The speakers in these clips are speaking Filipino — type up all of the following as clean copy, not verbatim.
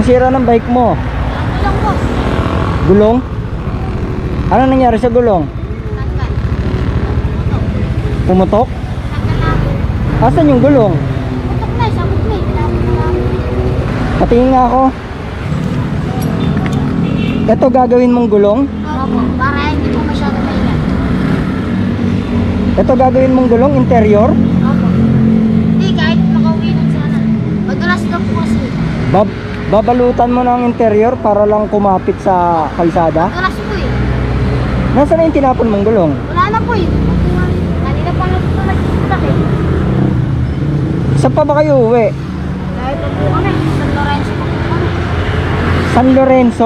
Ang sira ng bike mo? Gulong po. Gulong? Ano nangyari sa gulong? Tanggal. Pumutok? Tanggal na po. Asan yung gulong? Putok na, sabog na eh. Tinapon na lang. Patingin nga ako. Ito gagawin mong gulong? Opo, para hindi po masyado maingat. Ito gagawin mong gulong, interior? Opo. Hindi, kahit makauwi lang sana. Madulas daw po kasi. Babalutan mo ng interior para lang kumapit sa kalsada? Madulas po eh. Nasaan na yung tinapon mong gulong? Wala na po eh. Kanina pa lang ito nagputak eh. Saan pa ba kayo uwi? Dahil pa po kami, San Lorenzo pa po kami. San Lorenzo?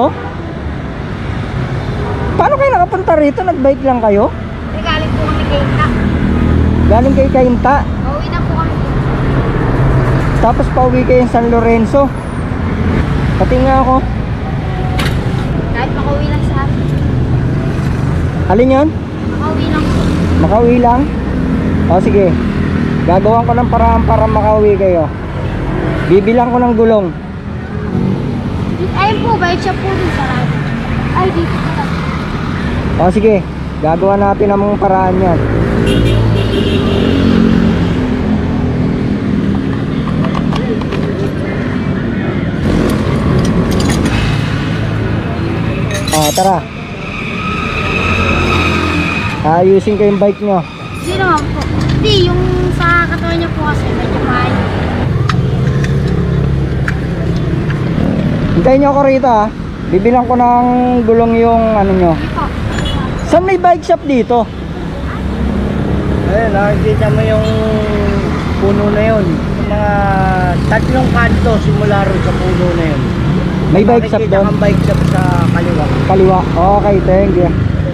Paano kayo nakapunta rito? Nagbike lang kayo? Hindi, galing po kami kay Ina. Galing kayo Kainta, Pauwi na po kami. tapos pauwi kayo sa San Lorenzo. Pati nga ako. Kahit makauwi lang sa amin. Alin yun? Makauwi lang po. Makauwi lang? O sige, gagawan ko ng paraan para makauwi kayo. Bibilang ko ng gulong. Ayun po, bike shop po dun sa radyo. Ay, dito po. O sige, gagawa natin ang mga paraan yan. O tara, ayusin ko yung bike nyo. Hindi naman po. Hindi, yung sa katawan niya po kasi medyo maayo. Hintayin nyo ako rito ha. Bibilang ko ng gulong yung ano nyo. Hindi po. Saan may bike shop dito? Ayun, nakikita mo yung puno na yun. Yung mga tatlong kanto simula ron sa puno na yun. May bike shop Makikita doon? kang bike shop sa kaliwa. Kaliwa. Okay, thank you.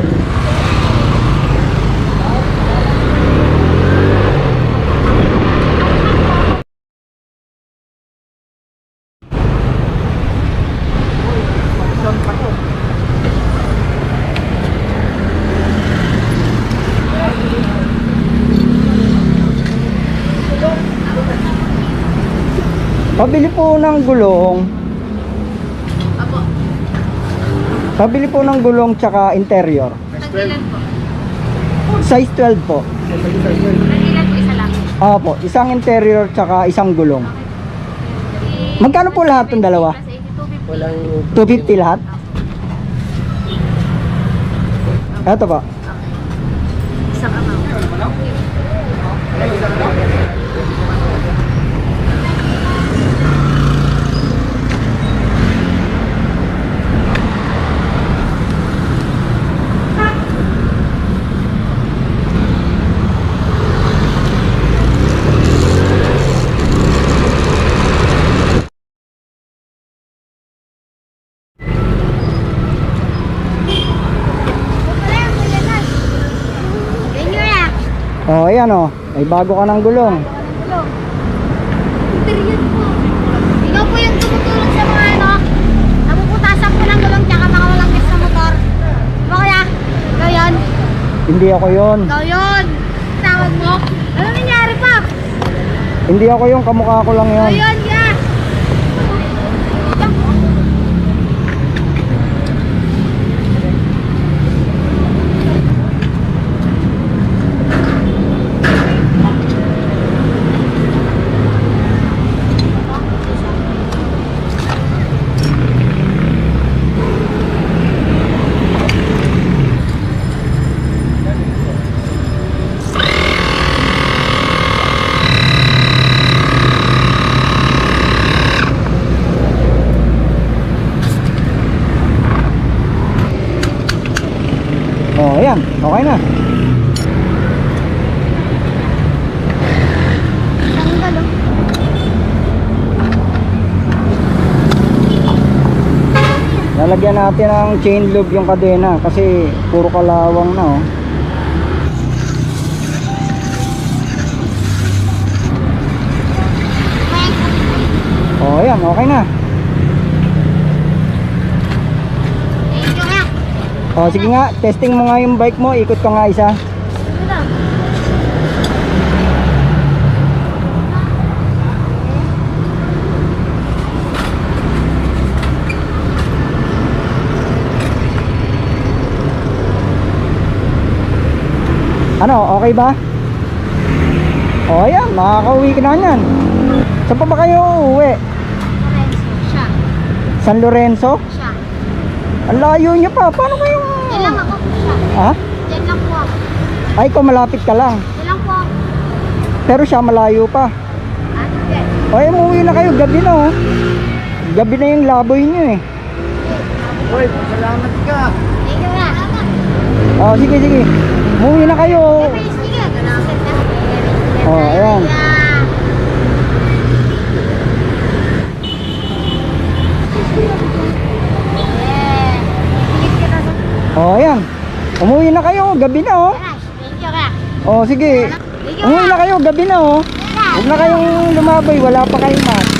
Pabili po ng gulong. Apo. Pabili po ng gulong tsaka interior. Nagilan po. Size 12 po. Nagilan po isa lang. Opo, isang interior tsaka isang gulong. Magkano po lahat ng dalawa? Walang 250 lahat? Eto po. Isang amount. Oh, ayan oh. May bago ka ng gulong. Period po. Ikaw po yung tumutulong sa mga ano, napuputasan po ng gulong tsaka mga walang gas sa motor. Diba kaya? Ikaw yun? Hindi ako yon. Ikaw yun! Tawag mo? Ano nangyari pa? Hindi ako yung kamukha ko lang Ikaw yon. yun, ya! Oh, ayan. Okay na. Tanggal oh. Lalagyan natin ng chain lube yung kadena kasi puro kalawang na oh. Oh, ayan. Okay na. Thank you, ya! Oh, sige nga. Testing mo nga yung bike mo. Ikot ka nga isa. Sige lang. Ano, okay ba? O, ayan, makakauwi ka na yan. Saan pa ba kayo uuwi? Lorenzo, siya. San Lorenzo? Siya. Ang layo niya pa. Paano kayo? Diyan lang ako po siya. Ha? Diyan lang po ako. Ay, ikaw malapit ka lang. Diyan lang po ako. Pero siya malayo pa. Sige. O, umuwi na kayo. Gabi na, oh. Gabi na yung laboy niyo, eh. Uy, salamat ka. Thank you na. O, sige, sige. Umuwi na kayo. Sige. Oh, ayan. O, ayan. Umuwi na kayo. Gabi na, oh. Thank you ka. O, sige. Umuwi na kayo. Gabi na, oh. Huwag na kayong lumabay. Wala pa kayong mat.